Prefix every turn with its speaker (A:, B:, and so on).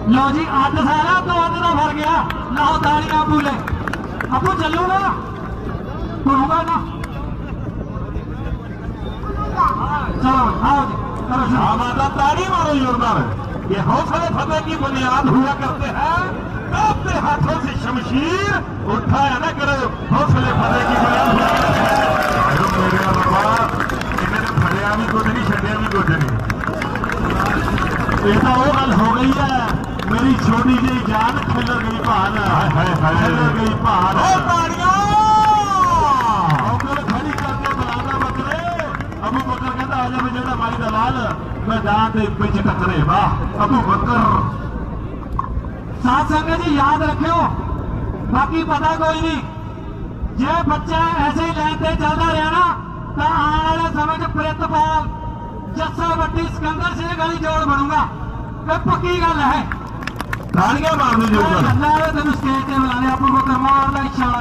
A: लो जी 8 साल तो अद का फर गया लाओ तालियां पूले अबू चलूगा घूमूगा ना चलो आओ जी करो
B: माता ताड़ी मारो जोरदार। ये हौसले फतेह की बुनियाद हुआ करते हैं। अपने हाथों से शमशीर उठाया ना करो, हौसले फतेह की बुनियाद हुआ करते हैं। मेरे बाबा इन्हें फड़िया भी कुछ नहीं छड़िया भी कुछ नहीं। ये तो वो गल हो गई है मेरी छोटी जी जान खिलर गई भान खिलर गई भान खड़ी करके बुलाना बकरे। अबू बकर कहता आजा मैं जेड़ा माई दलाल मैं जान दे पिछ टकरे वाह अबू बकर।
A: साथ संगत जी याद रखियो बाकी पता कोई नहीं जे बच्चा ऐसे ही लाइन से चलता रहा ना तो आने वाले समय च प्रितपाल जस्सा बट्टी सिकंदर सिंह गली जोड़ बनूंगा ये पक्की गल है।
B: तालियां मारनी जो
A: तेन स्टेज से बुलाने अबू बकर मारना इशारा